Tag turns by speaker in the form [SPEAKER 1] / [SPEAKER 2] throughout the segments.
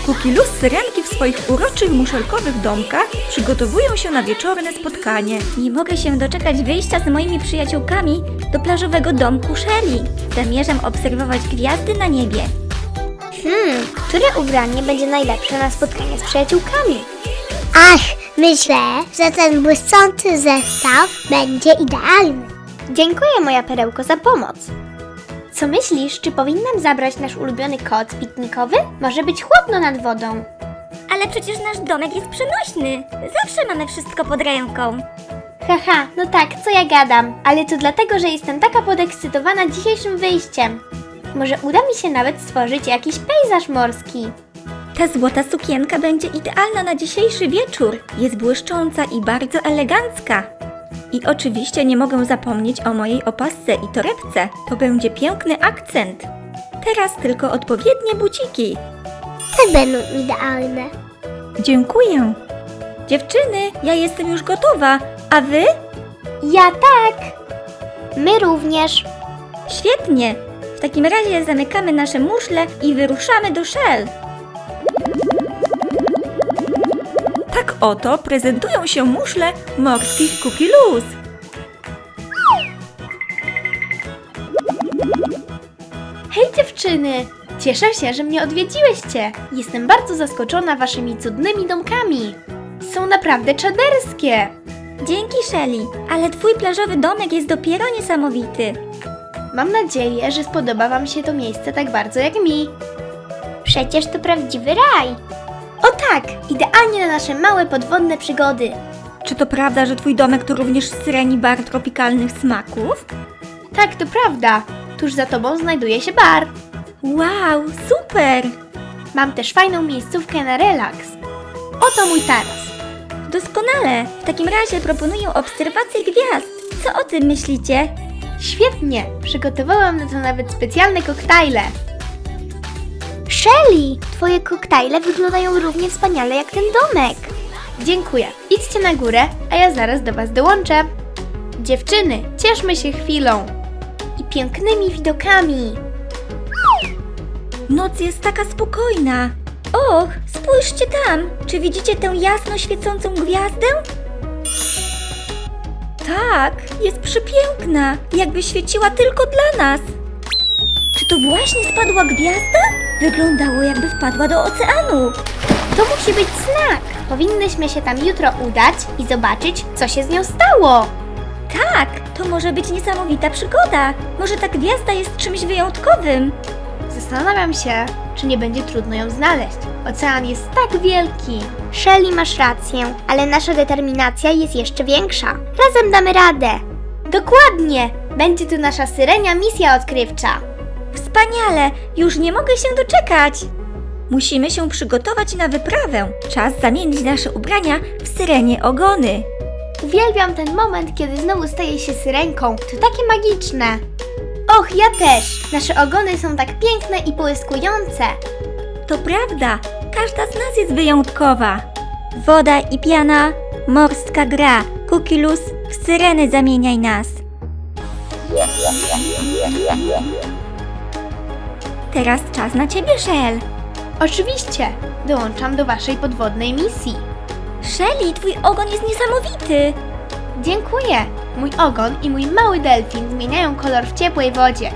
[SPEAKER 1] Kukilus syrenki w swoich uroczych muszelkowych domkach przygotowują się na wieczorne spotkanie.
[SPEAKER 2] Nie mogę się doczekać wyjścia z moimi przyjaciółkami do plażowego domku Shelly. Zamierzam obserwować gwiazdy na niebie.
[SPEAKER 3] Które ubranie będzie najlepsze na spotkanie z przyjaciółkami? Ach, myślę, że ten błyszczący zestaw będzie idealny. Dziękuję, moja perełko, za pomoc. Co myślisz, czy powinnam zabrać nasz ulubiony koc piknikowy? Może być chłodno nad wodą.
[SPEAKER 2] Ale przecież nasz domek jest przenośny. Zawsze mamy wszystko pod ręką.
[SPEAKER 3] Haha, no tak, co ja gadam. Ale to dlatego, że jestem taka podekscytowana dzisiejszym wyjściem. Może uda mi się nawet stworzyć jakiś pejzaż morski.
[SPEAKER 2] Ta złota sukienka będzie idealna na dzisiejszy wieczór. Jest błyszcząca i bardzo elegancka. I oczywiście nie mogę zapomnieć o mojej opasce i torebce. To będzie piękny akcent. Teraz tylko odpowiednie buciki.
[SPEAKER 3] Te będą idealne.
[SPEAKER 2] Dziękuję. Dziewczyny, ja jestem już gotowa. A wy?
[SPEAKER 3] Ja tak. My również.
[SPEAKER 2] Świetnie. W takim razie zamykamy nasze muszle i wyruszamy do Shell.
[SPEAKER 1] Tak oto prezentują się muszle morskich Kukilus.
[SPEAKER 4] Hej dziewczyny! Cieszę się, że mnie odwiedziłyście. Jestem bardzo zaskoczona waszymi cudnymi domkami. Są naprawdę czaderskie.
[SPEAKER 2] Dzięki, Shelly, ale twój plażowy domek jest dopiero niesamowity.
[SPEAKER 4] Mam nadzieję, że spodoba wam się to miejsce tak bardzo jak mi.
[SPEAKER 3] Przecież to prawdziwy raj.
[SPEAKER 4] O tak! Idealnie na nasze małe podwodne przygody.
[SPEAKER 1] Czy to prawda, że twój domek to również syreni bar tropikalnych smaków?
[SPEAKER 4] Tak, to prawda. Tuż za tobą znajduje się bar.
[SPEAKER 2] Wow, super!
[SPEAKER 4] Mam też fajną miejscówkę na relaks. Oto mój taras.
[SPEAKER 2] Doskonale! W takim razie proponuję obserwację gwiazd. Co o tym myślicie?
[SPEAKER 4] Świetnie! Przygotowałam na to nawet specjalne koktajle.
[SPEAKER 3] Shelly, twoje koktajle wyglądają równie wspaniale jak ten domek.
[SPEAKER 4] Dziękuję. Idźcie na górę, a ja zaraz do was dołączę. Dziewczyny, cieszmy się chwilą. I pięknymi widokami.
[SPEAKER 1] Noc jest taka spokojna.
[SPEAKER 2] Och, spójrzcie tam! Czy widzicie tę jasno świecącą gwiazdę?
[SPEAKER 1] Tak, jest przepiękna, jakby świeciła tylko dla nas.
[SPEAKER 2] Czy to właśnie spadła gwiazda? Wyglądało, jakby wpadła do oceanu.
[SPEAKER 3] To musi być znak.
[SPEAKER 4] Powinnyśmy się tam jutro udać i zobaczyć, co się z nią stało.
[SPEAKER 2] Tak, to może być niesamowita przygoda. Może ta gwiazda jest czymś wyjątkowym.
[SPEAKER 4] Zastanawiam się, czy nie będzie trudno ją znaleźć. Ocean jest tak wielki.
[SPEAKER 3] Shelly, masz rację, ale nasza determinacja jest jeszcze większa. Razem damy radę.
[SPEAKER 4] Dokładnie! Będzie to nasza syrenia misja odkrywcza.
[SPEAKER 2] Wspaniale! Już nie mogę się doczekać!
[SPEAKER 1] Musimy się przygotować na wyprawę. Czas zamienić nasze ubrania w syrenie ogony.
[SPEAKER 4] Uwielbiam ten moment, kiedy znowu staję się syrenką. To takie magiczne. Och, ja też! Nasze ogony są tak piękne i błyskujące.
[SPEAKER 1] To prawda, każda z nas jest wyjątkowa.
[SPEAKER 2] Woda i piana, morska gra. Kukilus, w syreny zamieniaj nas.
[SPEAKER 1] Teraz czas na ciebie, Shell.
[SPEAKER 4] Oczywiście! Dołączam do waszej podwodnej misji.
[SPEAKER 2] Shelly, twój ogon jest niesamowity.
[SPEAKER 4] Dziękuję! Mój ogon i mój mały delfin zmieniają kolor w ciepłej wodzie.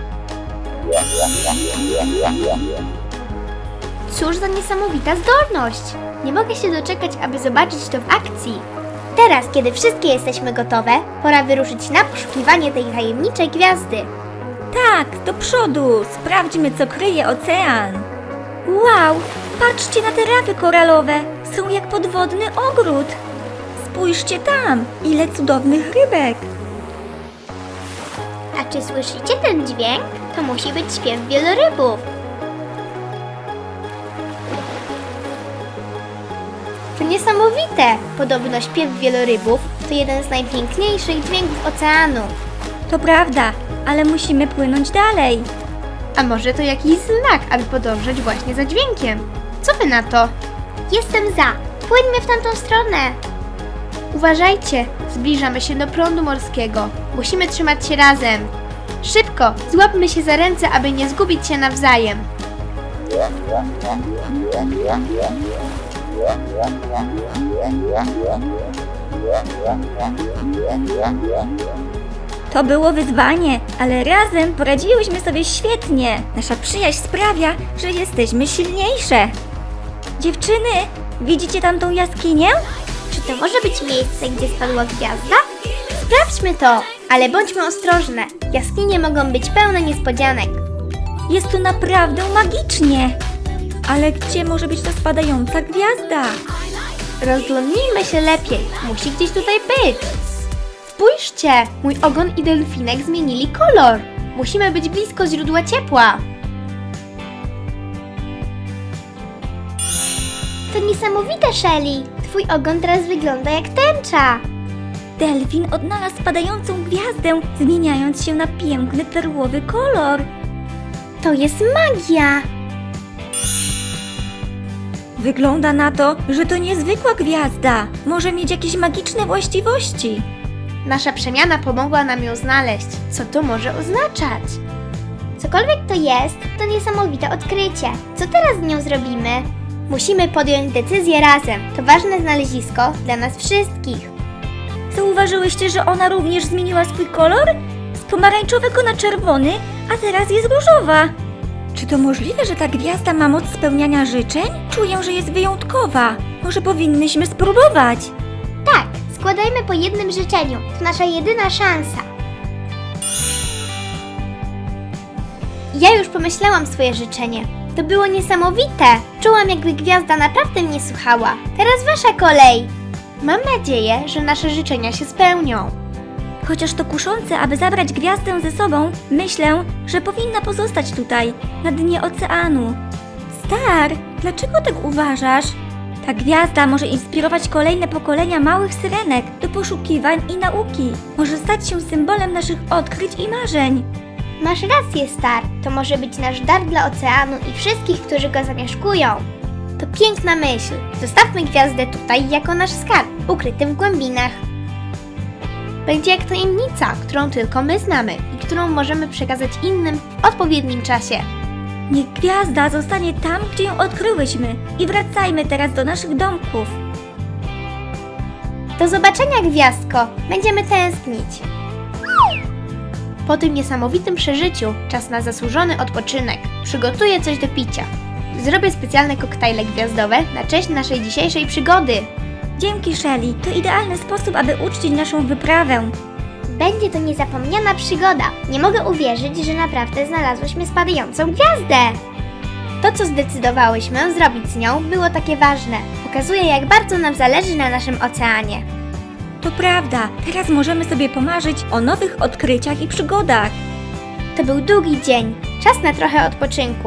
[SPEAKER 4] Cóż za niesamowita zdolność! Nie mogę się doczekać, aby zobaczyć to w akcji.
[SPEAKER 3] Teraz, kiedy wszystkie jesteśmy gotowe, pora wyruszyć na poszukiwanie tej tajemniczej gwiazdy.
[SPEAKER 1] Tak, do przodu, sprawdźmy, co kryje ocean.
[SPEAKER 2] Wow, patrzcie na te rafy koralowe. Są jak podwodny ogród.
[SPEAKER 1] Spójrzcie tam, ile cudownych rybek.
[SPEAKER 3] A czy słyszycie ten dźwięk? To musi być śpiew wielorybów.
[SPEAKER 4] To niesamowite! Podobno śpiew wielorybów to jeden z najpiękniejszych dźwięków oceanu.
[SPEAKER 2] To prawda, ale musimy płynąć dalej.
[SPEAKER 4] A może to jakiś znak, aby podążać właśnie za dźwiękiem? Co wy na to?
[SPEAKER 3] Jestem za. Płyńmy w tamtą stronę.
[SPEAKER 4] Uważajcie, zbliżamy się do prądu morskiego. Musimy trzymać się razem. Szybko, złapmy się za ręce, aby nie zgubić się nawzajem.
[SPEAKER 2] To było wyzwanie, ale razem poradziłyśmy sobie świetnie. Nasza przyjaźń sprawia, że jesteśmy silniejsze. Dziewczyny, widzicie tamtą jaskinię?
[SPEAKER 3] Czy to może być miejsce, gdzie spadła gwiazda?
[SPEAKER 4] Sprawdźmy to, ale bądźmy ostrożne. Jaskinie mogą być pełne niespodzianek.
[SPEAKER 2] Jest tu naprawdę magicznie. Ale gdzie może być ta spadająca gwiazda?
[SPEAKER 4] Rozglądnijmy się lepiej. Musi gdzieś tutaj być. Spójrzcie, mój ogon i delfinek zmienili kolor. Musimy być blisko źródła ciepła.
[SPEAKER 3] To niesamowite, Shelly. Twój ogon teraz wygląda jak tęcza.
[SPEAKER 2] Delfin odnalazł spadającą gwiazdę, zmieniając się na piękny perłowy kolor.
[SPEAKER 4] To jest magia.
[SPEAKER 2] Wygląda na to, że to niezwykła gwiazda. Może mieć jakieś magiczne właściwości.
[SPEAKER 4] Nasza przemiana pomogła nam ją znaleźć. Co to może oznaczać?
[SPEAKER 3] Cokolwiek to jest, to niesamowite odkrycie. Co teraz z nią zrobimy?
[SPEAKER 4] Musimy podjąć decyzję razem. To ważne znalezisko dla nas wszystkich.
[SPEAKER 2] Zauważyłyście, że ona również zmieniła swój kolor? Z pomarańczowego na czerwony, a teraz jest różowa. Czy to możliwe, że ta gwiazda ma moc spełniania życzeń? Czuję, że jest wyjątkowa. Może powinnyśmy spróbować.
[SPEAKER 3] Tak, składajmy po jednym życzeniu. To nasza jedyna szansa.
[SPEAKER 4] Ja już pomyślałam swoje życzenie. To było niesamowite. Czułam, jakby gwiazda naprawdę mnie słuchała. Teraz wasza kolej. Mam nadzieję, że nasze życzenia się spełnią.
[SPEAKER 2] Chociaż to kuszące, aby zabrać gwiazdę ze sobą, myślę, że powinna pozostać tutaj, na dnie oceanu. Star, dlaczego tak uważasz? Ta gwiazda może inspirować kolejne pokolenia małych syrenek do poszukiwań i nauki. Może stać się symbolem naszych odkryć i marzeń.
[SPEAKER 3] Masz rację, Star. To może być nasz dar dla oceanu i wszystkich, którzy go zamieszkują.
[SPEAKER 4] To piękna myśl. Zostawmy gwiazdę tutaj jako nasz skarb, ukryty w głębinach. Będzie jak tajemnica, którą tylko my znamy i którą możemy przekazać innym w odpowiednim czasie.
[SPEAKER 2] Niech gwiazda zostanie tam, gdzie ją odkryłyśmy i wracajmy teraz do naszych domków.
[SPEAKER 4] Do zobaczenia, gwiazdko! Będziemy tęsknić. Po tym niesamowitym przeżyciu czas na zasłużony odpoczynek. Przygotuję coś do picia. Zrobię specjalne koktajle gwiazdowe na cześć naszej dzisiejszej przygody.
[SPEAKER 2] Dzięki, Shelly. To idealny sposób, aby uczcić naszą wyprawę.
[SPEAKER 3] Będzie to niezapomniana przygoda. Nie mogę uwierzyć, że naprawdę znalazłyśmy spadającą gwiazdę.
[SPEAKER 4] To, co zdecydowałyśmy zrobić z nią, było takie ważne. Pokazuje, jak bardzo nam zależy na naszym oceanie.
[SPEAKER 2] To prawda, teraz możemy sobie pomarzyć o nowych odkryciach i przygodach.
[SPEAKER 4] To był długi dzień. Czas na trochę odpoczynku.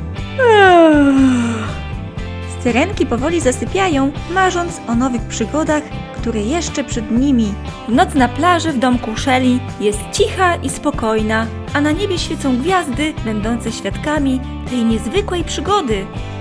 [SPEAKER 2] Syrenki powoli zasypiają, marząc o nowych przygodach, które jeszcze przed nimi. Noc na plaży w domku Shelly jest cicha i spokojna, a na niebie świecą gwiazdy, będące świadkami tej niezwykłej przygody.